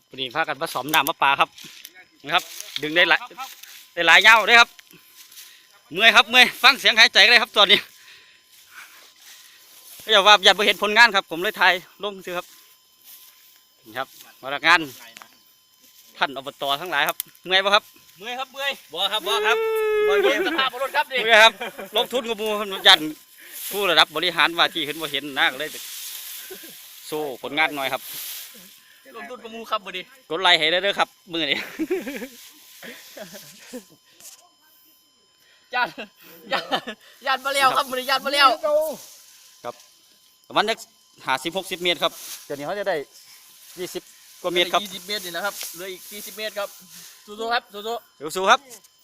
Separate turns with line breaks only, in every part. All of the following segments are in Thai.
พอดีพากันผสมน้ำมะปลาครับนะครับดึงได้หลายเงาได้ครับเมื่อยครับเมื่อยฟังเสียงหายใจก็ได้ครับตอนนี้อย่าว่าอย่าไปเห็นผลงานครับผมเลยถ่ายลงซื้อครับนี่ครับพนักงานท่านอบตทั้งหลายครับเมื่อยปะครับ
เมื่อยครับเมื่อย
บ่ครับบ่ครับ
บ่เย็นสภาพรถครับดิ
เมื่อยครับลงทุนกับมูยันผู้ระดับบริหารว่าที่ขึ้นว่าเห็นนะก็เลยโซ่ผลงานหน่อยครับ
ลงทุนกับมูครับบ่ดิ
กดไลค์ให้ได้เด้อครับมือนี้
ยานมาแล้วครับบ่ดิยานมาแล้ว
ครับประมาณ50-60 เมตรครับเดี๋ยวนี้เขาจะได้20 กว่าเมตรครับ
20 เมตรนี่นะครับเหลืออีก40 เมตรครับสู้ๆครับสู้
ๆครับ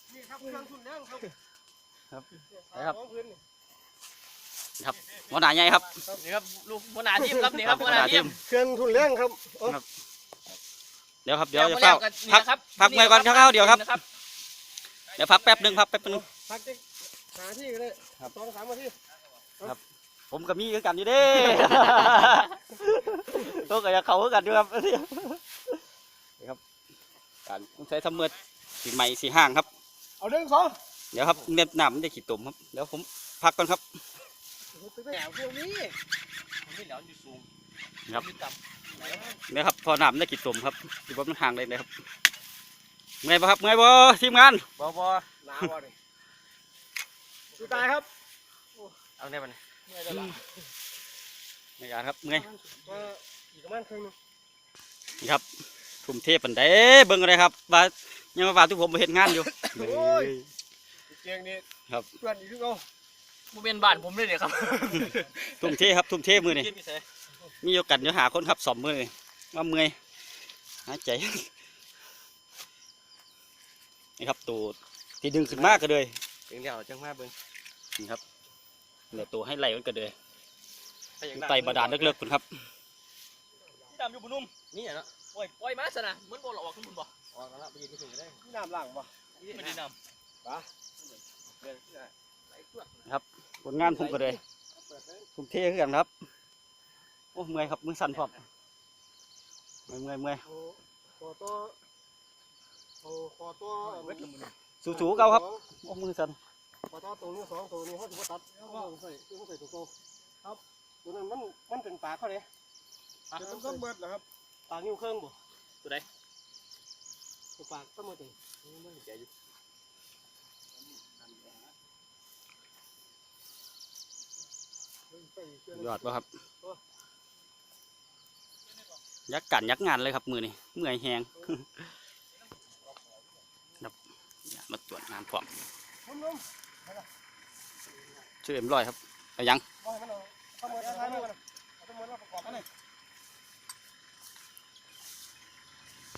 ครับหัวหน้าใหญ่ครับ
นี่ครับลูกหัวหน้าทีมครับนี่ครับหัวหน้าทีม
เครื่องทุนแรงครับ
เดี๋ยวจะเฝ้าพักเมื่อก่อนเข้าเดี๋ยวครับเดี๋ยวพักแป๊บนึงพัก
หาที่เลย2-3 นาที
ครับผมกับมีกันอยู่เด้ตัวกับเขากันอยู่ครับนี่ครับการต้องใช้ทำเมื่อสีใหม่สีห้างครับ
เอา1 2
เดี๋ยวครับเน็บหนามมันจะขีดตุ่มครับเดี๋ยวผมพักก่อนครับ
แถวพวกนี้
ไม่เหลียวอยู่สูง
ครับเนี่ยครับพอหนามได้ขีดตุ่มครับที่ว่ามันห่างเลยนะครับเมื่อยปะครับเมื่อยปะทีมงาน
บ่
หนาวเลยสุดท้ายครับ
เอาเนี่ยมัน
ในการครับเมื่อย
อีกประมาณครึ่งนึง
นี่ครับทุ่มเทปันเด้เบิ่งอะไรครับว่ายังมาทุกผมไปเห็นงานอยู่
เจียงนี่
ครับ
เพื่อนอีกทุกเอา
บ่เป็นบ้านผมเลยเนี่ยครับ
ทุ่มเทครับทุ่มเทมือนี่มีโอกาสเดี๋ยวหาคนขับสอบมือเลยว่าเมื่อยหายใจนี่ครับตัวที่ดึงขึ้นมากก็เลย
ถึงเดี๋ยวจังมาเบิ่ง
นี่ครับเดี๋ยวตัวให้ไหลมันก็เลยไตบาดาลเลิกๆคุณครับ
ที่ดำอยู่บนนุ่มนี่เหรอโอ้ยปล่อยมาซะนะมันบ่หลอกขึ้นบนบ่ออกแล้วไปยืนที่ถึงก็ได้
ที่น้ำล่างบ่
ไม่ได้น้ำ
ปะ
ครับผลงานผมก็เลยทุ่มเทขึ้นกันครับโอ้เมื่อยครับมือสั่นพร้อมเมื่อย
ขอตัว
สูๆเก่าครับโอ้มือสั่น
ขอตัวนี้2ตัวนี้เขาถือว่าตัดใส่ตัวครับตัวนั้นมันเป็นปากเขาเลยมันก็เบิดเหรอครับปากนิ้วเครื่องบ่
ตัวใด
ตัวปากก็มาถึงไม่แก่อยู่
ยอดป่ะครับยักกันยักงานเลยครับมือนี่เมื่อยแหงมาตรวจงานพร้อมช่วยเอ็มร้อยครับไปยัง